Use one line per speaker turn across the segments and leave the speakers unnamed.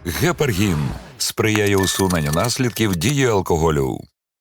Гепаргін сприяє усуненню наслідків дії алкоголю.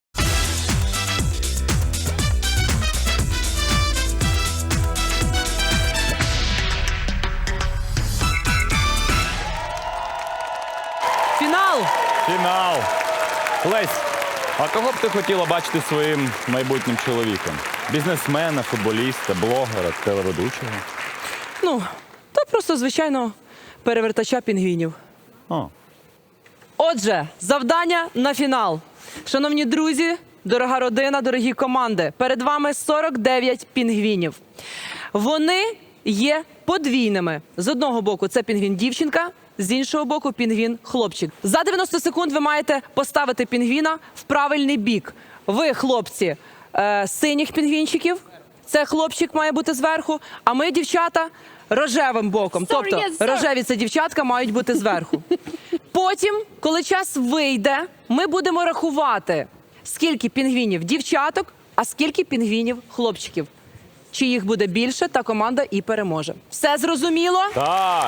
Фінал!
Фінал. Лесь, а кого б ти хотіла бачити своїм майбутнім чоловіком? Бізнесмена, футболіста, блогера, телеведучого?
Ну, то просто, звичайно, перевертача пінгвінів.
О.
Отже, завдання на фінал. Шановні друзі, дорога родина, дорогі команди, перед вами 49 пінгвінів. Вони є подвійними. З одного боку це пінгвін-дівчинка, з іншого боку пінгвін-хлопчик. За 90 секунд ви маєте поставити пінгвіна в правильний бік. Ви, хлопці, синіх пінгвінчиків, це хлопчик має бути зверху, а ми, дівчата, рожевим боком. Тобто рожеві це дівчатка мають бути зверху. Потім, коли час вийде, ми будемо рахувати, скільки пінгвінів дівчаток, а скільки пінгвінів хлопчиків. Чи їх буде більше, та команда і переможе. Все зрозуміло?
Так.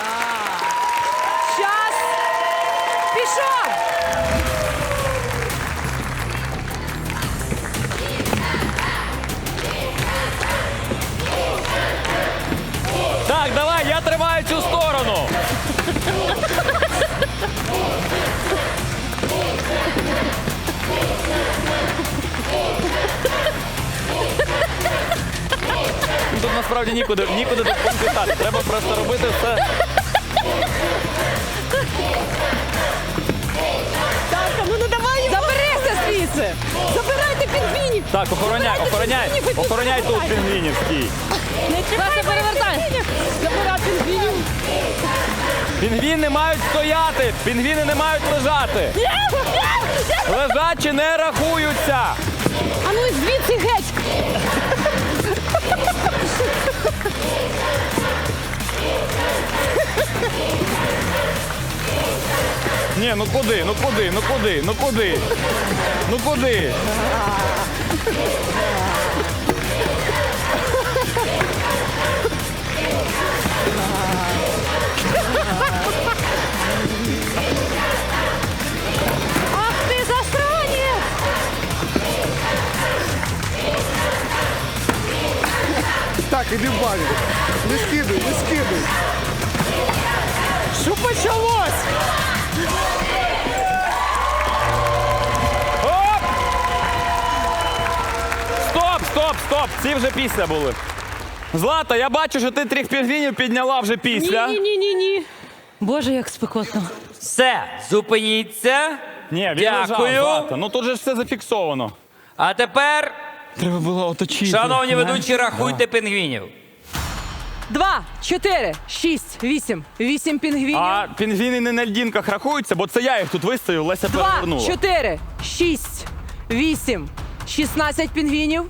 Час пішов!
Так, давай, я тримаю цю сторону. Тут насправді нікуди допомогти. Треба просто робити все.
Так, ну давай! Заберися звідси! Забирайте пінгвінів!
Так, охороняй тут пінгвінів, стій.
Саша, перевертай! Забирай пінгвінів!
Пінгвіни мають стояти, пінгвіни не мають лежати. Лежачі не рахуються.
А ну звідси геть!
Ні, ну куди?
Ах ти засранець!
Так, іди в баню. Не скидуй.
Що почалось?
Оп! Стоп! Ці вже після були. Злата, я бачу, що ти 3 пінгвінів підняла вже після.
Ні. Боже, як спекотно.
Все, зупиніться.
Ні, він
Дякую.
лежав, Злата. Ну тут же ж все зафіксовано.
А тепер,
Треба було оточити.
шановні ведучі, рахуйте пінгвінів.
2, 4, 6, 8. 8 пінгвінів.
А пінгвіни не на льдінках рахуються, бо це я їх тут виставив, Леся
2,
перевернула.
4, 6, 8. 16 пінгвінів.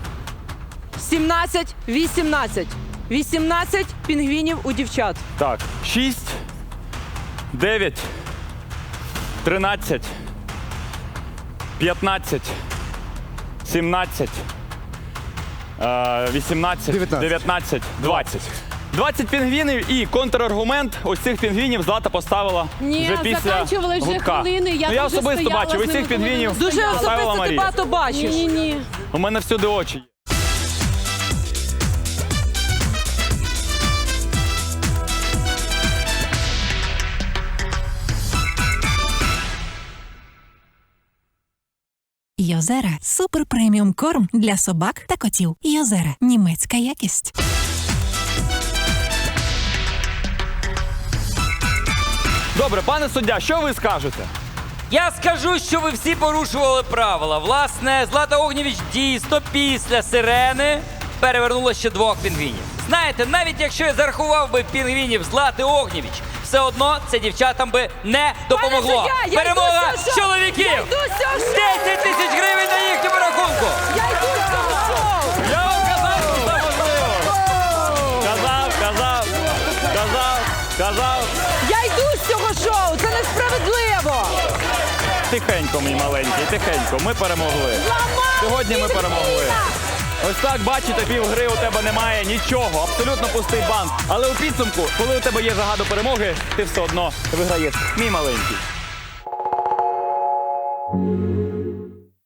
17, 18. 18 пінгвінів у дівчат.
Так, 6, 9, 13, 15, 17, 18, 19, 20. 20 пінгвінів і контраргумент ось цих пінгвінів Злата поставила
Ні,
вже після
заканчували вже
гудка.
хвилини, я
ну, я
дуже
особисто
стояла
бачив,
з
ось
ними,
цих
коли
пінгвінів
вони
Дуже
поставила
особисто ти
Марія.
багато бачиш.
Ні.
У мене всюди очі є.
Йозера – супер преміум корм для собак та котів. Йозера – німецька якість.
Добре, пане суддя, що ви скажете?
Я скажу, що ви всі порушували правила. Власне, Злата Огнєвіч дійсно після сирени перевернула ще 2 пінгвінів. Знаєте, навіть якщо я зарахував би пінгвінів Злати Огнєвіч, все одно це дівчатам би не допомогло.
Пане суддя, я
Перемога
йду з цього шоу!
чоловіків!
Я йду з цього шоу!
10 тисяч гривень на їхньому рахунку!
Я йду з цього шоу!
Я вам казав, що це можливо. Казав.
Я йду з цього шоу! Це несправедливо!
Тихенько, мій маленький, тихенько. Ми перемогли. Сьогодні ми перемогли. Ось так, бачите, півгри у тебе немає нічого, абсолютно пустий банк. Але у підсумку, коли у тебе є жага до перемоги, ти все одно виграєш. Мій маленький.